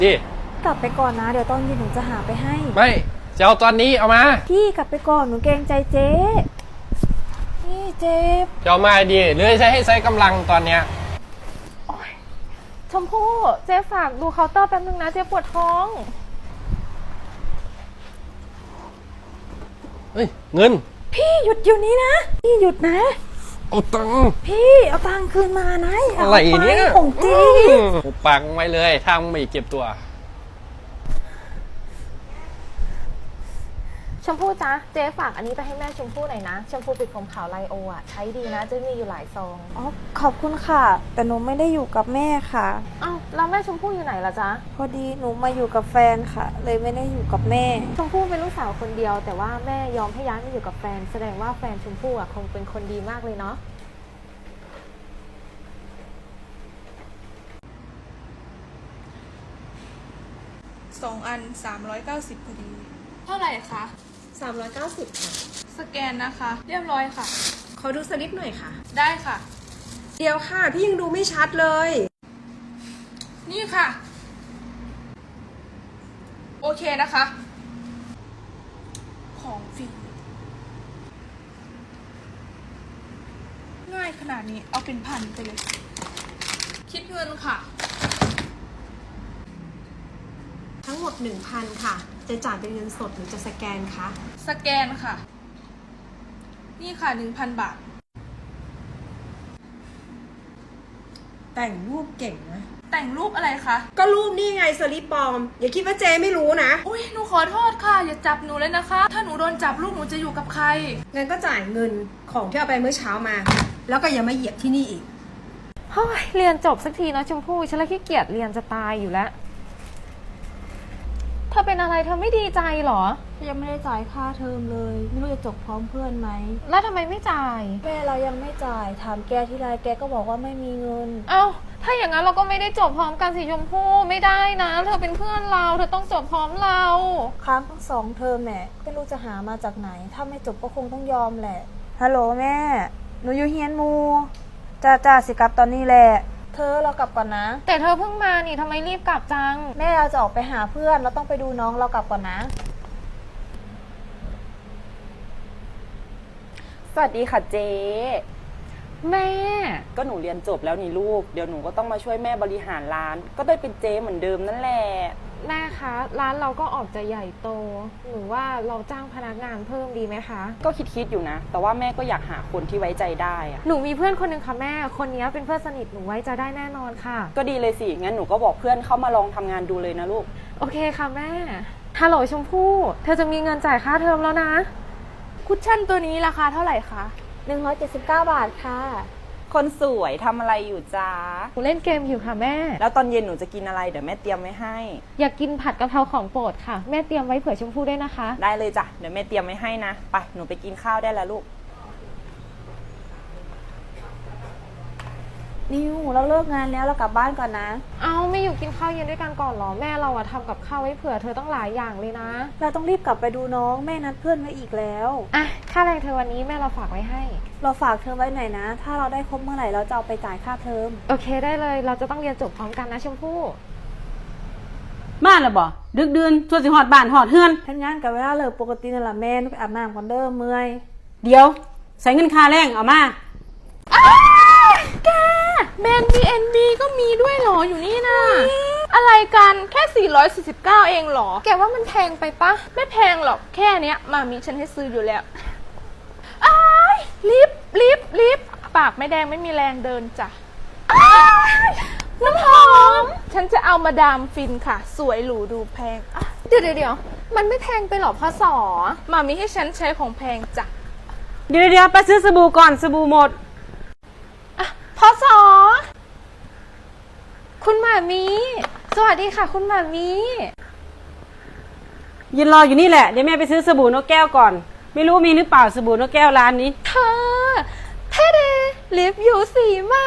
ดิกลับไปก่อนนะเดี๋ยวตอนเย็นหนูจะหาไปให้ไม่จะเอาตอนนี้เอามาพี่กลับไปก่อนหนูเกรงใจเจ๊นี่เจ๊จะเอามาดีหรือให้ใช้กำลังตอนเนี้ยชมพู่เจ๊ฝากดูเคาน์เตอร์แป๊บนึงนะเจ๊ปวดท้องเฮ้ยเงินพี่หยุดอยู่นี้นะพี่หยุดนะเอาตังค์พี่เอาตังค์คืนมานะอะไรเนี่ยของจริงปังไว้เลยทางไม่เก็บตัวชมพู่จ๊ะเจ๊ฝากอันนี้ไปให้แม่ชมพู่หน่อยนะชมพู่ปิดผมขาวไลโออ่ะใช้ดีนะเจ๊มีอยู่หลายซองอ๋อขอบคุณค่ะแต่หนูไม่ได้อยู่กับแม่ค่ะอ้าวแล้วแม่ชมพู่อยู่ไหนล่ะจ๊ะพอดีหนูมาอยู่กับแฟนค่ะเลยไม่ได้อยู่กับแม่ชมพู่เป็นลูกสาวคนเดียวแต่ว่าแม่ยอมให้ย้ายมาอยู่กับแฟนแสดงว่าแฟนชมพู่อ่ะคงเป็นคนดีมากเลยเนาะ 2 อัน390พอดีเท่าไหร่คะ 390ค่ะสแกนนะคะเรียบร้อยค่ะขอดูสลิปหน่อยค่ะได้ค่ะเดี๋ยวค่ะพี่ยังดูไม่ชัดเลยนี่ค่ะโอเคนะคะของฟรีง่ายขนาดนี้เอาเป็นพันไปเลยคิดเงินค่ะทั้งหมด 1,000 ค่ะจะจ่ายเป็นเงินสดหรือจะสแกนคะสแกนค่ะนี่ค่ะ 1,000 บาทแต่งรูปเก่งนะแต่งรูปอะไรคะก็รูปนี่ไงสลิปปลอมอย่าคิดว่าเจ๊ไม่รู้นะอุ้ยหนูขอโทษค่ะอย่าจับหนูเลยนะคะถ้าหนูโดนจับลูกหนูจะอยู่กับใครงั้นก็จ่ายเงินของที่เอาไปเมื่อเช้ามา แล้วก็อย่ามาเหยียบที่นี่อีกเฮ้ยเรียนจบสักทีนะชมพู่ฉันละขี้เกียจเรียนจะตายอยู่แล้วเธอเป็นอะไรเธอไม่ดีใจหรอยังไม่ได้จ่ายค่าเทอมเลยไม่รู้จะจบพร้อมเพื่อนไหมแล้วทำไมไม่จ่ายแม่เรายังไม่จ่ายถามแกที่ไรแกก็บอกว่าไม่มีเงินเอ้าถ้าอย่างนั้นเราก็ไม่ได้จบพร้อมกันสิชมพู่ไม่ได้นะเธอเป็นเพื่อนเราเธอต้องจบพร้อมเราค้างทั้ง2 เทอมแม่ไม่รู้จะหามาจากไหนถ้าไม่จบก็คงต้องยอมแหละฮัลโหลแม่หนูอยู่เฮียนมูจ้าสิกลับตอนนี้แหละเธอเรากลับก่อนนะแต่เธอเพิ่งมานี่ทำไมรีบกลับจังแม่เราจะออกไปหาเพื่อนเราต้องไปดูน้องเรากลับก่อนนะสวัสดีค่ะเจ๊แม่ก็หนูเรียนจบแล้วนี่ลูกเดี๋ยวหนูก็ต้องมาช่วยแม่บริหารร้านก็ได้เป็นเจ๊เหมือนเดิมนั่นแหละแม่คะร้านเราก็ออกจะใหญ่โตหนูว่าเราจ้างพนักงานเพิ่มดีไหมคะก็คิดอยู่นะแต่ว่าแม่ก็อยากหาคนที่ไว้ใจได้อะหนูมีเพื่อนคนนึงค่ะแม่คนนี้เป็นเพื่อนสนิทหนูไว้ใจได้แน่นอนค่ะก็ดีเลยสิงั้นหนูก็บอกเพื่อนเข้ามาลองทำงานดูเลยนะลูกโอเคค่ะแม่ฮัลโหลชมพู่เธอจะมีเงินจ่ายค่าเทอมแล้วนะคุชชั่นตัวนี้ราคาเท่าไหร่คะ 179 บาทค่ะคนสวยทำอะไรอยู่จ้าหนูเล่นเกมอยู่ค่ะแม่แล้วตอนเย็นหนูจะกินอะไรเดี๋ยวแม่เตรียมไว้ให้อยากกินผัดกะเพราของโปรดค่ะแม่เตรียมไว้เผื่อชมพู่ด้วยนะคะได้เลยจ้ะเดี๋ยวแม่เตรียมไว้ให้นะไปหนูไปกินข้าวได้แล้วลูกนิวเราเลิกงานแล้วเรากลับบ้านก่อนนะเอาไม่อยู่กินข้าวเย็นด้วยกันก่อนหรอแม่เราอะทำกับข้าวไว้เผื่อเธอต้องหลายอย่างเลยนะเราต้องรีบกลับไปดูน้องแม่นัดเพื่อนไว้อีกแล้วอ่ะค่าแรงเธอวันนี้แม่เราฝากไว้ให้เราฝากเธอไว้หน่อยนะถ้าเราได้ครบเมื่อไหร่เราจะเอาไปจ่ายค่าเทอมโอเคได้เลยเราจะต้องเรียนจบพร้อมกันนะชมพู่มาแล้วบ่ดึกดื่นทั่วสิฮอดบ้านฮอดเฮือนทำงานกับเวลาเลิกปกตินั่นแหละแม่ไปอาบน้ำก่อนเด้อเมื่อยเดี๋ยวใส่เงินค่าแรงเอามาแกแบรนด์ B&B ก็มีด้วยเหรออยู่นี่นะอะไรกันแค่449เองเหรอแกว่ามันแพงไปปะไม่แพงหรอกแค่เนี้ยมามีฉันให้ซื้ออยู่แล้วอ้ายรีบปากไม่แดงไม่มีแรงเดินจ้ะน้ำหอมฉันจะเอามาดามฟินค่ะสวยหรูดูแพงเดี๋ยวมันไม่แพงไปหรอพ่อสอมามีให้ฉันใช้ของแพงจ้ะเดี๋ยวไปซื้อสบู่ก่อนสบู่หมดพ่อสอคุณหมามีสวัสดีค่ะคุณหมามียืนรออยู่นี่แหละเดี๋ยวแม่ไปซื้อสบู่นกแก้วก่อนไม่รู้มีหรือเปล่าสบู่นกแก้วร้านนี้เธอเท่เดลิปอยู่สีใหม่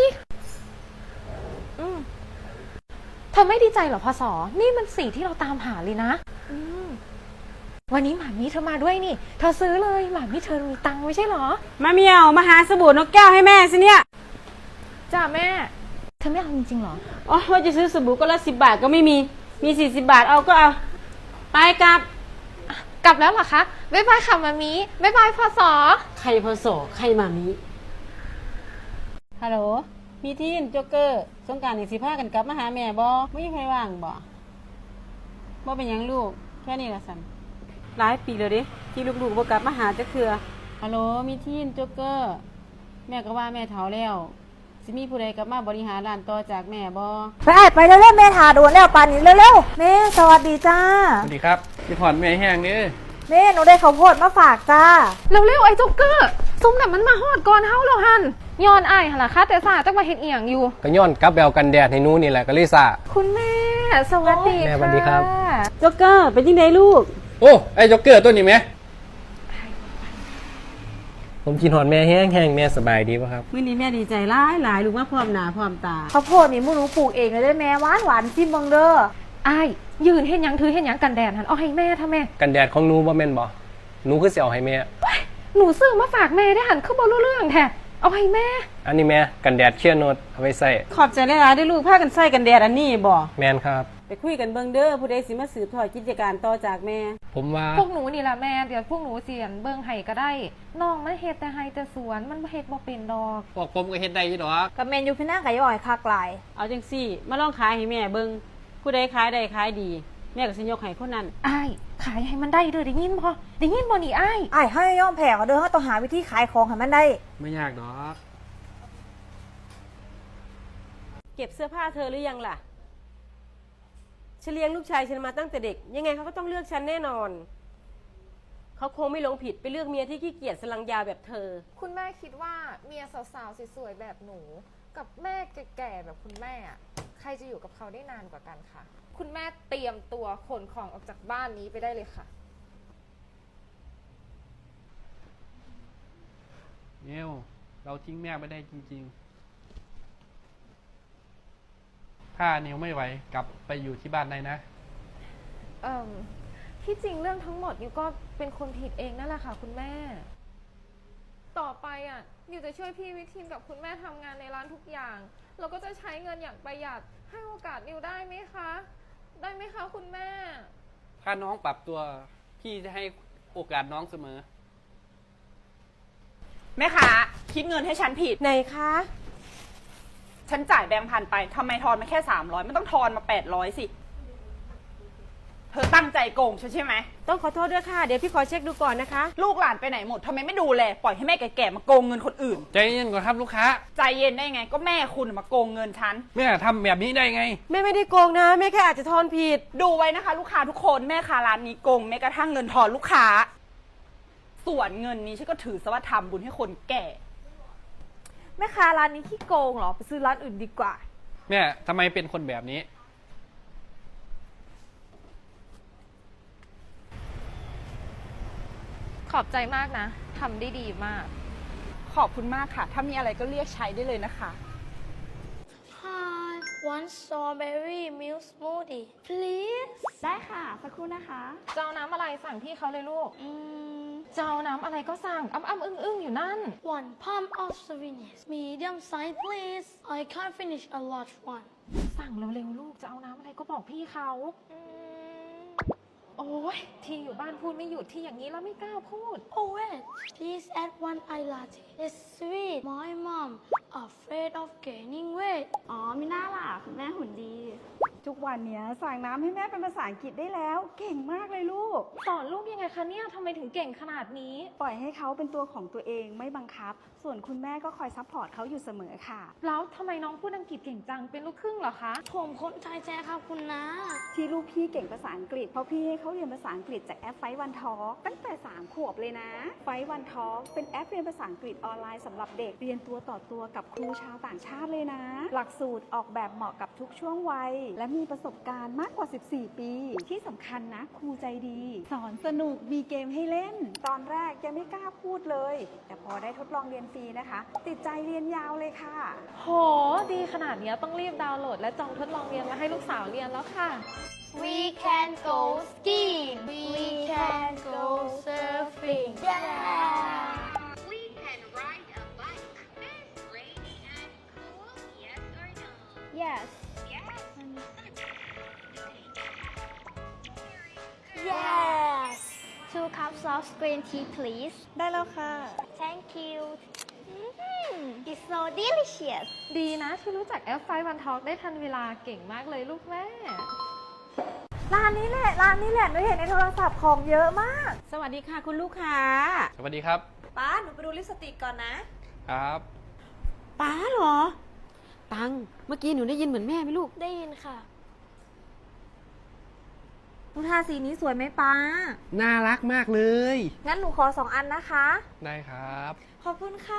เธอไม่ดีใจเหรอพ่อสอนี่มันสีที่เราตามหาเลยนะวันนี้หมามีเธอมาด้วยนี่เธอซื้อเลยหมามีเธอมีตังค์ไม่ใช่เหรอมาเมียวมาหาสบู่นกแก้วให้แม่สิเนี่ยจ้าแม่เธอไม่เอาจริงๆหรออ๋อว่าจะซื้อสบู่ก็ละ10 บาทก็ไม่มีมี40 บาทเอาก็เอา ไปกลับกลับแล้วเหรอคะบ๊ายบายค่ะมามีบ๊ายบายพศใครพอสอใครมามิฮัลโหล มีทีนโจ๊กเกอร์สงกรานต์อีกสิพากันกลับมาหาแม่บ่ไม่มีใครว่างบ่เป็นหยังลูก แค่นี้ละสันหลายปีแล้วเดิที่ลูกๆบ่กลับมาหาจักเทื่อฮัลโหล มีทีนโจ๊กเกอร์ แม่ก็ว่าแม่เฒ่าแล้ว สิมีผู้ใดกลับมาบริหารร้านต่อจากแม่บ่ไปเร็วๆแม่ทาโดนแล้วปานนี้เร็วๆแม่สวัสดีจ้าสวัสดีครับพี่ถอนแม่แห้งนี่แม่หนูได้ข้าวโพดมาฝากจ้าเร็วๆไอ้โจ๊กเกอร์ซุ่มน่ะมันมาฮอดก่อนเฮาแล้วหันย้อนอ้ายหั่นล่ะคะแต่ซ่าจักว่าเฮ็ดอีหยังอยู่ก็ย้อนกลับแบวกันแดดให้หนูนี่แหละก็เลยซ่าคุณแม่ สวัสดีแม่ค่ะสวัสดีครับโจ๊กเกอร์เป็นยังไงลูกโอ้ไอ้จ็อกเกอร์ตัวนี้ไหมผมกินหอนแม่แห้งแม่สบายดีป่ะครับมื้อนี้แม่ดีใจหลายลูกมาพร้อมหน้าพร้อมตาข้าวโพดนี่หมูหนูปลูกเองเลยได้แม่หวานซิมเบังเด้ออ้ายยืนเฮ็ดหยังถือเฮ็ดหยังกันแดดหันเอาให้แม่ทำแม่กันแดดของหนูบ่แม่นบ่หนูคือสิเอาให้แม่หนูซื้อมาฝากแม่ได้หันคือบ่รู้เรื่องแท้เอาให้แม่อันนี้แม่กันแดดเชียร์โนดเอาไว้ใส่ขอบใจหลายๆได้อลูกพากันใส่กันแดดอันนี้บ่แมนครับไปคุยกันเบิ่งเด้อผู้ใดสิมาสืบทอดกิจการต่อจากแม่ผมว่าพวกหนูนี่แหละแม่เดี๋ยวพวกหนูเสียนเบิ่งให้ก็ได้น้องมันเฮ็ดแต่ให้แต่สวนมันเฮ็ดบ่เป็นดอกพวกผมก็เฮ็ดได้อยู่ดอกกับเมนยูพี่นั่งไก่ย่อยคากลายเอาจังซี่ มาลองขายให้แม่เบิ่งผู้ใดขายได้ขายดี แม่ก็สิยกให้คนนั้นอ้ายขายให้มันได้เด้อได้ยินบ่นี่อ้ายไอ้ให้ย่อมแผ่เขาเด้อเขาต้องหาวิธีขายของให้มันได้ไม่ยากดอกเก็บเสื้อผ้าเธอหรือยังล่ะฉันเลี้ยงลูกชายฉันมาตั้งแต่เด็ก ยังไงเขาก็ต้องเลือกฉันแน่นอน เขาคงไม่หลงผิดไปเลือกเมียที่ขี้เกียจสลังยาแบบเธอคุณแม่คิดว่าเมียสาวๆสวยๆแบบหนูกับแม่แก่ๆแบบคุณแม่อะใครจะอยู่กับเขาได้นานกว่ากันคะคุณแม่เตรียมตัวขนของออกจากบ้านนี้ไปได้เลยค่ะเนวเราทิ้งแม่ไม่ได้จริงๆถ้านิวไม่ไหวกลับไปอยู่ที่บ้านได้นะที่จริงเรื่องทั้งหมดนิวก็เป็นคนผิดเองนั่นแหละค่ะคุณแม่ ต่อไปอ่ะนิวจะช่วยพี่วิทีนกับคุณแม่ทำงานในร้านทุกอย่างเราก็จะใช้เงินอย่างประหยัดให้โอกาสนิวได้ไหมคะได้ไหมคะคุณแม่ถ้าน้องปรับตัวพี่จะให้โอกาสน้องเสมอแม่ค้าคิดเงินให้ฉันผิดไหนคะฉันจ่ายแบงค์พันไปทำไมทอนมาแค่300ไม่ต้องทอนมา800สิเธอตั้งใจโกงฉันใช่ไหมต้องขอโทษด้วยค่ะ เดี๋ยวพี่ขอเช็คดูก่อนนะคะลูกหลานไปไหนหมดทำไมไม่ดูแลปล่อยให้แม่แก่ๆมาโกงเงินคนอื่นใจเย็นก่อนครับลูกค้าใจเย็นได้ไงก็แม่คุณมาโกงเงินฉันแม่ทำแบบนี้ได้ไงแม่ไม่ได้โกงนะแม่แค่อาจจะทอนผิดดูไว้นะคะ ลูกค้าทุกคนแม่ค้าร้านนี้โกงแม้กระทั่งเงินทอนลูกค้า ส่วนเงินนี้ฉันก็ถือซะว่าทำบุญให้คนแก่แม่ค้าร้านนี้ขี้โกงเหรอไปซื้อร้านอื่นดีกว่าแม่ทำไมเป็นคนแบบนี้ขอบใจมากนะทำได้ดีมากขอบคุณมากค่ะ ถ้ามีอะไรก็เรียกใช้ได้เลยนะคะ Hi one strawberry milk smoothie please ได้ค่ะสักครู่นะคะจะเอาน้ำอะไรสั่งพี่เขาเลยลูกจะเอาน้ำอะไรก็สั่งอ้ำอึ้งอยู่นั่น one pump of sweetness medium size please I can't finish a large one สั่งเร็วๆลูกจะเอาน้ำอะไรก็บอกพี่เขาโอ้ยที่อยู่บ้านพูดไม่หยุดที่อย่างนี้แล้วไม่กล้าพูด oh wait please add one iced latte it's sweet my mom afraid of gaining weight อ๋อมีหน้าล่ะคุณแม่หุ่นดี ทุกวันเนี้ยสั่งน้ำให้แม่เป็นภาษาอังกฤษได้แล้ว เก่งมากเลยลูกสอนลูกยังไงคะเนี่ยทำไมถึงเก่งขนาดนี้ปล่อยให้เขาเป็นตัวของตัวเองไม่บังคับ ส่วนคุณแม่ก็คอยซัพพอร์ตเขาอยู่เสมอค่ะแล้วทำไมน้องพูดอังกฤษเก่งจังเป็นลูกครึ่งเหรอคะผมคนไทยแท้ครับคุณนะที่ลูกพี่เก่งภาษาอังกฤษเพราะพี่ให้เขาเรียนภาษาอังกฤษจากแอปไฟวันทอตั้งแต่3 ขวบเลยนะไฟวันทอเป็นแอปเรียนภาษาอังกฤษออนไลน์สำหรับเด็กเรียนตัวต่อตัวกับครูชาวต่างชาติเลยนะ หลักสูตรออกแบบเหมาะกับทุกช่วงวัยและมีประสบการณ์มากกว่า14 ปีที่สำคัญนะครูใจดีสอนสนุกมีเกมให้เล่น ตอนแรกยังไม่กล้าพูดเลย แต่พอได้ทดลองเรียนฟรีนะคะ ติดใจเรียนยาวเลยค่ะโหดีขนาดนี้ต้องรีบดาวน์โหลดและจองทดลองเรียนมาให้ลูกสาวเรียนแล้วค่ะ We can go skiing We can go surfing yeah We can ride a bike. It's rainy and cool, yes or no? yes Yes. soft green tea please ได้แล้วค่ะ Thank you It's so delicious ดีนะที่รู้จักแอปไฟวันทอล์กได้ทันเวลาเก่งมากเลยลูกแม่ร้านนี้แหละหนูเห็นในโทรศัพท์ของเยอะมากสวัสดีค่ะคุณลูกค้าสวัสดีครับป้าหนูไปดูลิปสติกก่อนนะครับป้าเหรอ ตัง เมื่อกี้หนูได้ยินเหมือนแม่ไหมลูกได้ยินค่ะหนูทาสีนี้สวยไหมป้าน่ารักมากเลยงั้นหนูขอ2 อันนะคะได้ครับขอบคุณค่ะ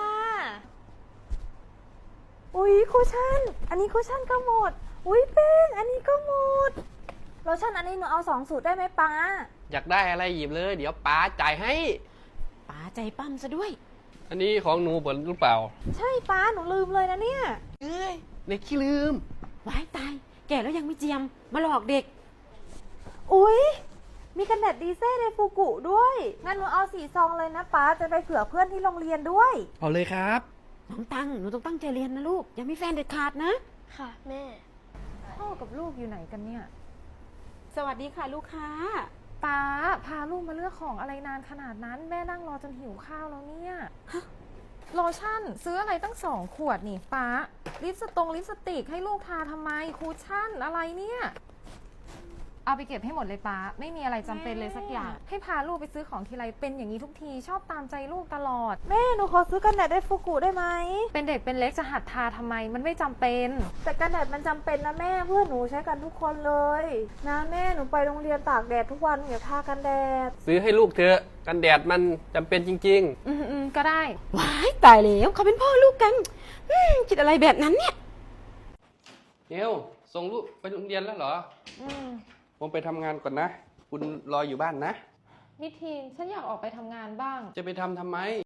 อุ๊ยคุชชั่น อันนี้คุชชั่นก็หมด อุ๊ยแป้งอันนี้ก็หมดโลชั่นอันนี้หนูเอา2 สูตรได้ไหมป้าอยากได้อะไรหยิบเลย เดี๋ยวป้าจ่ายให้ป้าใจปั้มซะด้วยอันนี้ของหนูผลหรือเปล่าใช่ป้าหนูลืมเลยนะเนี่ยเอ้ยเด็กขี้ลืมว้ายตาย แก่แล้วยังไม่เจียม มาหลอกเด็กอุ๊ย มีกันแดดดีเซ่ในฟูกุด้วย งั้นหนูเอา4 ซองเลยนะป้า จะไปเผื่อเพื่อนที่โรงเรียนด้วยเอาเลยครับน้องตัง หนูต้องตั้งใจเรียนนะลูก อย่ามีแฟนเด็ดขาดนะค่ะแม่พ่อกับลูกอยู่ไหนกันเนี่ยสวัสดีค่ะลูกค้าป้าพาลูกมาเลือกของอะไรนานขนาดนั้นแม่นั่งรอจนหิวข้าวแล้วเนี่ยโลชั่นซื้ออะไรตั้ง2 ขวดนี่ป้าลิปสติกให้ลูกทาทำไมคูชั่นอะไรเนี่ยเอาไปเก็บให้หมดเลยป้าไม่มีอะไรจำเป็นเลยสักอย่าง ให้พาลูกไปซื้อของทีไรเป็นอย่างนี้ทุกทีชอบตามใจลูกตลอดแม่หนูขอซื้อกันแดดในฟูกุได้ไหมเป็นเด็กเป็นเล็กจะหัดทาทำไมมันไม่จำเป็นแต่กันแดดมันจำเป็นนะแม่เพื่อนหนูใช้กันทุกคนเลยนะแม่หนูไปโรงเรียนตากแดดทุกวันอย่าทากันแดดซื้อให้ลูกเถอะ กันแดดมันจำเป็นจริงก็ได้ว้ายตายแล้วเขาเป็นพ่อลูกกันคิดอะไรแบบนั้นเนี่ยๆเดี๋ยวส่งลูกไปโรงเรียนแล้วเหรอ ผมไปทำงานก่อนนะ คุณรออยู่บ้านนะมิทีนฉันอยากออกไปทำงานบ้างจะไปทำไม